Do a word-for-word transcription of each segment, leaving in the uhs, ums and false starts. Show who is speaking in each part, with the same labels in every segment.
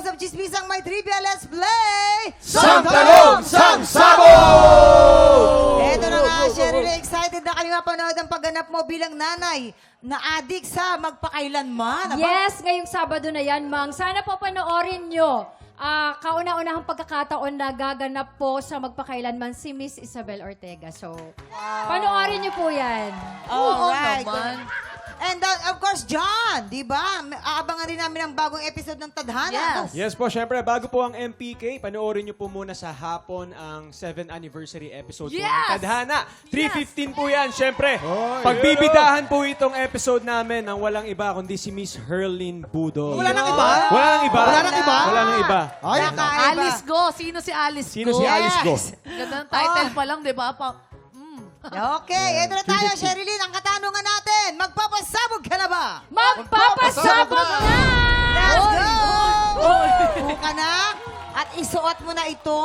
Speaker 1: episodes of Chismisang May Trivia. Let's play!
Speaker 2: Sang Talong, Sang Sabog!
Speaker 1: Eto na nga, Cheryl, excited na kayo mapanood ang pagganap mo bilang nanay na adik sa magpakailanman. Aba,
Speaker 3: Yes, ngayong Sabado na yan, Mang. Sana po panoorin nyo. Ah, kauna-unahang pagkakataon na gaganap po sa magpakailanman si Miss Isabel Ortega. So, panoorin nyo po yan.
Speaker 1: Alright.
Speaker 4: naman.
Speaker 1: And uh, of course, John, di ba? Aabangan rin namin ang bagong episode ng Tadhana.
Speaker 4: Yes.
Speaker 2: Yes po, syempre, bago po ang M P K, panoorin niyo po muna sa hapon ang seventh anniversary episode po ng
Speaker 4: Yes!
Speaker 2: Tadhana. three fifteen po yan, syempre.
Speaker 5: Oh,
Speaker 2: Pagbibidahan po itong episode namin ng walang iba kundi si Miss Herlin Budo.
Speaker 5: Wala nang iba?
Speaker 2: Wala nang iba?
Speaker 5: Wala nang iba?
Speaker 2: Wala nang iba.
Speaker 5: Ay,
Speaker 1: Nakaiba.
Speaker 4: Alice Go. Sino si Alice
Speaker 2: Sino
Speaker 4: Go?
Speaker 2: si Alice Go?
Speaker 4: Ganda ng title pa lang, di ba? Pa,
Speaker 1: Okay, eto na tayo, Sherilyn. Ang katanungan natin, magpapasabog ka na ba?
Speaker 3: Magpapasabog na!
Speaker 1: Let's go! Buka na at isuot mo na ito.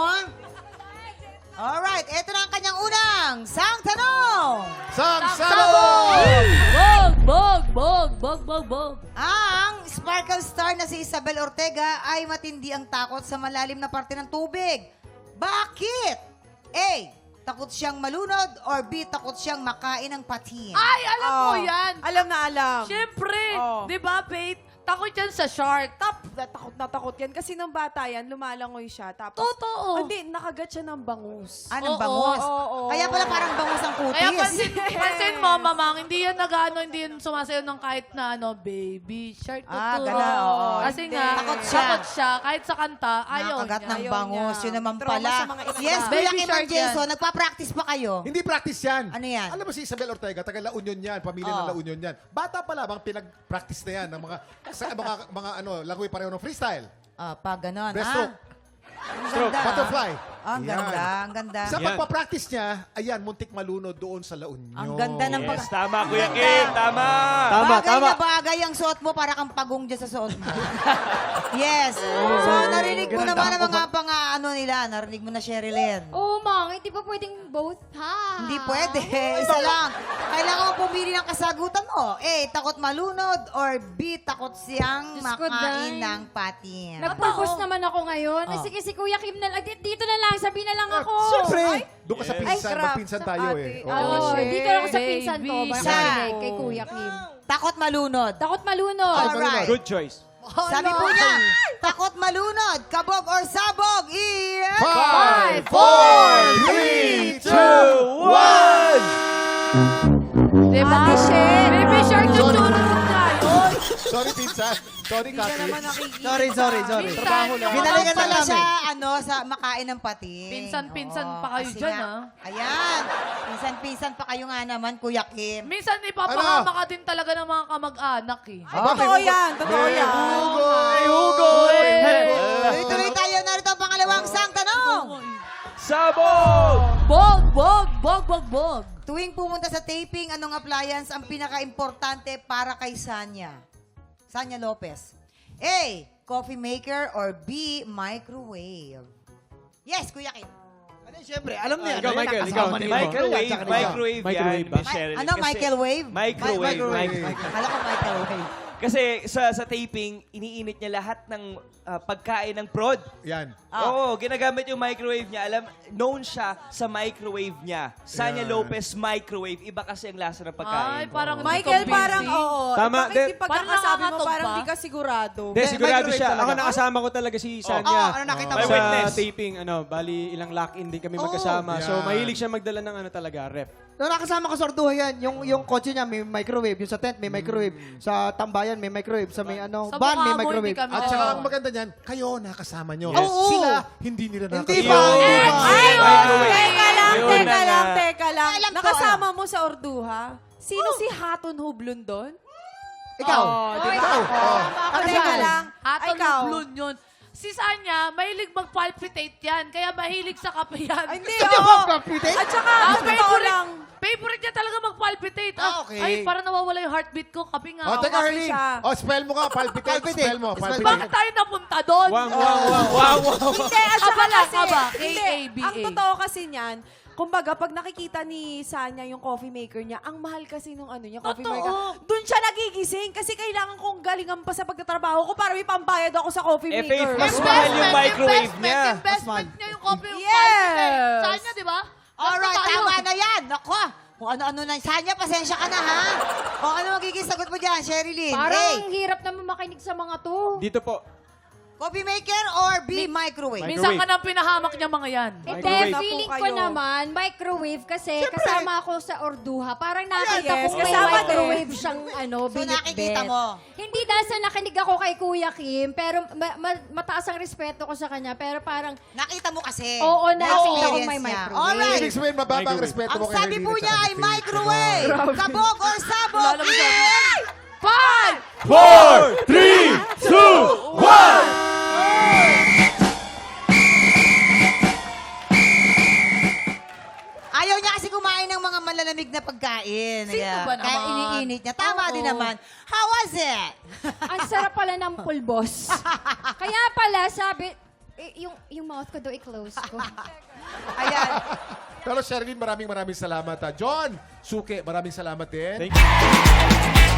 Speaker 1: Alright, eto na ang kanyang unang sang tanong.
Speaker 5: Sang
Speaker 4: Sabog! Bog, bog, bog, bog, bog, bog.
Speaker 1: Ang sparkle star na si Isabel Ortega ay matindi ang takot sa malalim na parte ng tubig. Bakit? A. Takot siyang malunod or B. Takot siyang makain ng patin?
Speaker 4: Ay, alam mo
Speaker 6: Oh.
Speaker 4: yan.
Speaker 6: Alam na alam.
Speaker 4: Siyempre,
Speaker 6: Oh.
Speaker 4: di ba, Faith? Takot yan sa shark.
Speaker 6: Tap, takot na takot yan. Kasi nung bata yan, lumalangoy siya. Tapos,
Speaker 4: Totoo.
Speaker 6: Hindi, nakagat siya ng bangus.
Speaker 1: Ah, ng
Speaker 4: Oo,
Speaker 1: bangus.
Speaker 6: oo, oo.
Speaker 1: Kaya pala parang bangus ang kutis.
Speaker 4: Kaya pansin, pansin mo, mamang, hindi yan nag-ano, hindi yan sumasayaw ng kahit na ano, baby shark.
Speaker 1: Ah,
Speaker 4: tuturo.
Speaker 1: gano'n, oo.
Speaker 4: Kasi
Speaker 6: Hindi.
Speaker 4: nga,
Speaker 1: Takot siya.
Speaker 4: takot siya. Kahit sa kanta, ayaw
Speaker 1: Nakagat
Speaker 4: niya.
Speaker 1: ng
Speaker 6: Ayaw
Speaker 1: bangus.
Speaker 6: niya.
Speaker 1: Yun naman
Speaker 6: Trauma
Speaker 1: pala.
Speaker 6: sa mga isda.
Speaker 1: Yes,
Speaker 4: Baby
Speaker 1: Kuya Kim
Speaker 4: shark
Speaker 1: and Jason, nagpa-practice pa kayo?
Speaker 5: Hindi practice yan.
Speaker 1: Ano yan?
Speaker 5: Alam mo si Isabel Ortega, taga La Union yan, pamilya
Speaker 1: Oh.
Speaker 5: ng La Union yan. Bata pa lamang pinag-practice na yan ng mga, sa, mga, mga ano, langoy pareho ng freestyle.
Speaker 1: Ah, pa ganon.
Speaker 5: Breaststroke.
Speaker 1: Ah, ang
Speaker 2: Stroke.
Speaker 1: ganda.
Speaker 5: Butterfly.
Speaker 1: Ah, ang
Speaker 5: Yan.
Speaker 1: ganda, ang ganda.
Speaker 5: Sa
Speaker 2: Yan.
Speaker 5: pagpa-practice niya, ayan, muntik malunod doon sa La Union.
Speaker 1: Ang ganda ng pag...
Speaker 2: Yes, tama,
Speaker 1: Ang
Speaker 2: Kuya
Speaker 1: ganda.
Speaker 2: Kim. Tama. Tama,
Speaker 1: bagay
Speaker 2: tama.
Speaker 1: na bagay ang suot mo para kang pagong dyan sa suot mo. Yes. So, narinig mo naman ang mga pang ano nila. Narinig mo na, Sherilyn.
Speaker 3: Oo, Mang. Hindi pa pwedeng both, ha?
Speaker 1: Hindi pwede. Isa lang. Kailangan mo pumili ng kasagutan mo. A, takot malunod or B, takot siyang
Speaker 3: Diyos ko,
Speaker 1: makain
Speaker 3: Day.
Speaker 1: ng patin.
Speaker 3: Nag-purpose naman ako ngayon. Ay,
Speaker 1: Oh.
Speaker 3: sige, si Kuya Kim na lang. Di- Dito na lang. Sabi na lang ako.
Speaker 5: Siyempre. Doon ka sa
Speaker 2: Yes.
Speaker 5: pinsan,
Speaker 6: Ay, crap.
Speaker 5: magpinsan
Speaker 6: Sa
Speaker 5: tayo
Speaker 6: ate.
Speaker 5: eh.
Speaker 6: Oh,
Speaker 5: Oo.
Speaker 3: Oo,
Speaker 6: shit.
Speaker 3: dito lang ako sa pinsan ko.
Speaker 4: Baby.
Speaker 3: Baka
Speaker 1: Isa.
Speaker 3: marinig kay Kuya Kim.
Speaker 1: Takot malunod.
Speaker 3: Takot malunod.
Speaker 1: Alright.
Speaker 2: Good choice.
Speaker 1: Sabi po niya, takot malunod, kabog or sabog, is...
Speaker 5: Five, four, three, two, one!
Speaker 4: Diba?
Speaker 6: Ate Shen.
Speaker 4: Baby shark, tuturo na yun.
Speaker 5: Sorry, pinsan. Sorry,
Speaker 6: Hindi ka
Speaker 5: Kaki.
Speaker 6: naman nakikita.
Speaker 7: Sorry, sorry, sorry.
Speaker 4: Minsan,
Speaker 5: Trabaho lang.
Speaker 1: Ginalingan
Speaker 7: Minsan
Speaker 1: pala
Speaker 7: namin.
Speaker 1: siya, ano, sa makain ng patin.
Speaker 4: Pinsan-pinsan
Speaker 1: Oo,
Speaker 4: pa kayo
Speaker 1: kasi
Speaker 4: dyan,
Speaker 1: nga-
Speaker 4: ah.
Speaker 1: Ayan. Pinsan-pinsan pa kayo nga naman, Kuya Kim.
Speaker 4: Minsan ipapahama ka din talaga ng mga kamag-anak eh.
Speaker 6: Ay, totoo yan. Totoo
Speaker 5: May
Speaker 6: yan.
Speaker 5: hugoy!
Speaker 4: Hugoy!
Speaker 1: Tuloy-tuloy tayo. Narito ang pangalawang sang tanong.
Speaker 2: Sabog!
Speaker 4: Bog, bog, bog, bog, bog.
Speaker 1: Tuwing pumunta sa taping, anong appliance ang pinaka-importante para kay Sanya? Sanya Lopez. A, coffee maker or B, microwave? Yes, Kuya Kim.
Speaker 7: Ano, siyempre, alam niya.
Speaker 2: Ikaw, Michael, ikaw.
Speaker 7: Microwave,
Speaker 2: Microwave, microwave
Speaker 7: Microwave
Speaker 2: yan,
Speaker 7: ba?
Speaker 2: Miss Sherilyn.
Speaker 1: Ano,
Speaker 2: Kasi-
Speaker 1: microwave?
Speaker 2: Microwave.
Speaker 5: Microwave.
Speaker 2: microwave.
Speaker 1: Akala ko microwave.
Speaker 8: Kasi sa sa taping, iniinit niya lahat ng ah, pagkain ng prod.
Speaker 5: Yan.
Speaker 1: Ah.
Speaker 8: Oo, ginagamit yung microwave niya. Alam, known siya sa microwave niya. Sanya
Speaker 5: Yeah.
Speaker 8: Lopez microwave. Iba kasi ang lasa ng pagkain.
Speaker 4: Ay, parang
Speaker 6: Michael, parang oo.
Speaker 2: Tama,
Speaker 6: Bakit
Speaker 2: de-
Speaker 6: yung pagkakasabi mo,
Speaker 4: nakakatog
Speaker 6: parang
Speaker 4: ba?
Speaker 6: di ka sigurado?
Speaker 2: Hindi, sigurado
Speaker 7: microwave
Speaker 2: siya.
Speaker 7: talaga.
Speaker 2: Ako nakasama ko talaga si Sanya.
Speaker 7: Oo, ano nakita mo?
Speaker 2: Sa
Speaker 8: May witness.
Speaker 2: taping, ano, bali ilang lock-in din kami magkasama. So,
Speaker 5: Yan.
Speaker 2: mahilig siya magdala ng ano talaga, ref.
Speaker 7: Nung nakasama ko sa Orduha yan, yung, yung kotse niya may microwave, yung sa tent may microwave, sa tambayan may microwave, sa may ano,
Speaker 4: Sa
Speaker 7: van may
Speaker 4: mukha mo,
Speaker 7: microwave.
Speaker 4: hindi kami.
Speaker 5: At
Speaker 4: Oo.
Speaker 5: saka ang maganda niyan, kayo nakasama nyo.
Speaker 2: Yes.
Speaker 7: Oo.
Speaker 5: Sila, hindi nila
Speaker 7: Hindi
Speaker 5: nakasama.
Speaker 7: ba? Hindi ba?
Speaker 6: Ay, oh,
Speaker 2: Microwave.
Speaker 6: teka lang,
Speaker 2: Yun
Speaker 6: teka
Speaker 2: na
Speaker 6: lang,
Speaker 2: nga.
Speaker 6: teka lang.
Speaker 1: Alam ko,
Speaker 6: Nakasama mo sa Orduha? Sino si Haton Hublon doon?
Speaker 7: Ikaw.
Speaker 6: Oh, di ba?
Speaker 5: Ikaw. Oh.
Speaker 6: Oh, teka lang.
Speaker 4: Aton
Speaker 6: Ikaw.
Speaker 4: blun yun. Si Sanya, mahilig mag-palpitate yan. Kaya mahilig sa kape yan.
Speaker 6: Ay, hindi,
Speaker 7: Gusto niyo
Speaker 6: oo.
Speaker 7: mag-palpitate?
Speaker 6: At saka,
Speaker 4: Ah,
Speaker 6: sa totoo lang,
Speaker 4: Favorite niya talaga mag-palpitate.
Speaker 7: Ah, okay.
Speaker 4: Ay, parang nawawala yung heartbeat ko. Kape nga.
Speaker 5: Oh,
Speaker 4: ako.
Speaker 5: teka,
Speaker 6: kape
Speaker 5: Arlene.
Speaker 6: siya.
Speaker 5: Oh, spell mo nga. Palpitate.
Speaker 7: Palpitate.
Speaker 5: Spell mo.
Speaker 7: Spell
Speaker 5: Palpitate.
Speaker 4: Bakit tayo napunta doon?
Speaker 2: Wow, wow, wow, wow, wow.
Speaker 6: hindi, at saka
Speaker 4: Kaba lang,
Speaker 6: kasi,
Speaker 4: kaba.
Speaker 6: hindi,
Speaker 4: K A B A.
Speaker 6: ang totoo kasi niyan, kumbaga, pag nakikita ni Sanya yung coffee maker niya, ang mahal kasi nung ano niya, coffee
Speaker 4: Totoo.
Speaker 6: maker. Doon siya nagigising kasi kailangan kong galingan pa sa pagtatrabaho ko para may pambayad ako sa coffee
Speaker 8: Eh,
Speaker 6: maker.
Speaker 8: Faith, mas mahal yung microwave niya.
Speaker 4: Investment niya yung coffee
Speaker 6: Yes.
Speaker 4: Saan niya, di ba?
Speaker 1: Alright,
Speaker 4: Basta tayo.
Speaker 1: tama na yan. Nako, kung ano-ano na. Sanya, pasensya ka na, ha? Kung ano magiging sagot mo dyan, Sherilyn? A,
Speaker 3: Parang hirap naman makinig sa mga to.
Speaker 2: Dito po.
Speaker 1: coffee maker or B, microwave?
Speaker 4: Minsan ka nang pinahamak niya mga yan.
Speaker 3: Hindi,
Speaker 2: Microwave.
Speaker 3: feeling
Speaker 6: Na po
Speaker 3: ko
Speaker 6: kayo.
Speaker 3: naman, microwave kasi kasama ako sa Orduha. Parang nakita
Speaker 6: Yes,
Speaker 3: ko may
Speaker 6: kasama
Speaker 3: microwave siyang ano,
Speaker 1: So, nakikita
Speaker 3: binitbit.
Speaker 1: mo?
Speaker 3: Hindi dahil sa nakinig ako kay Kuya Kim, pero ma- ma- mataas ang respeto ko sa kanya, pero parang,
Speaker 1: Nakita mo kasi.
Speaker 3: oo, nakita ko
Speaker 1: Na-experience
Speaker 3: may
Speaker 1: niya.
Speaker 3: microwave.
Speaker 1: Alright.
Speaker 5: Ibig sabihin, mababa ang
Speaker 2: Microwave.
Speaker 5: respeto
Speaker 1: Ang
Speaker 5: mo kay
Speaker 1: sabi po
Speaker 5: Herlene
Speaker 1: niya
Speaker 5: at
Speaker 1: ay
Speaker 5: Faith.
Speaker 1: microwave. Kabog or sabog?
Speaker 4: Wala naman sabi.
Speaker 1: in
Speaker 4: Five!
Speaker 2: four, three, two, one!
Speaker 1: Ayaw niya kasi kumain ng mga malalamig na pagkain.
Speaker 4: Sino
Speaker 1: Kaya-
Speaker 4: ba naman?
Speaker 1: Kaya iniinit niya. Tama
Speaker 4: Oo.
Speaker 1: din naman. How was it?
Speaker 3: Ang sarap pala ng pulbos. Kaya pala, sabi, eh, yung, yung mouth ko daw i-close ko.
Speaker 1: Ayan.
Speaker 5: Pero Sherilyn, maraming maraming salamat. ha. John, Suke, maraming salamat din.
Speaker 2: Thank you.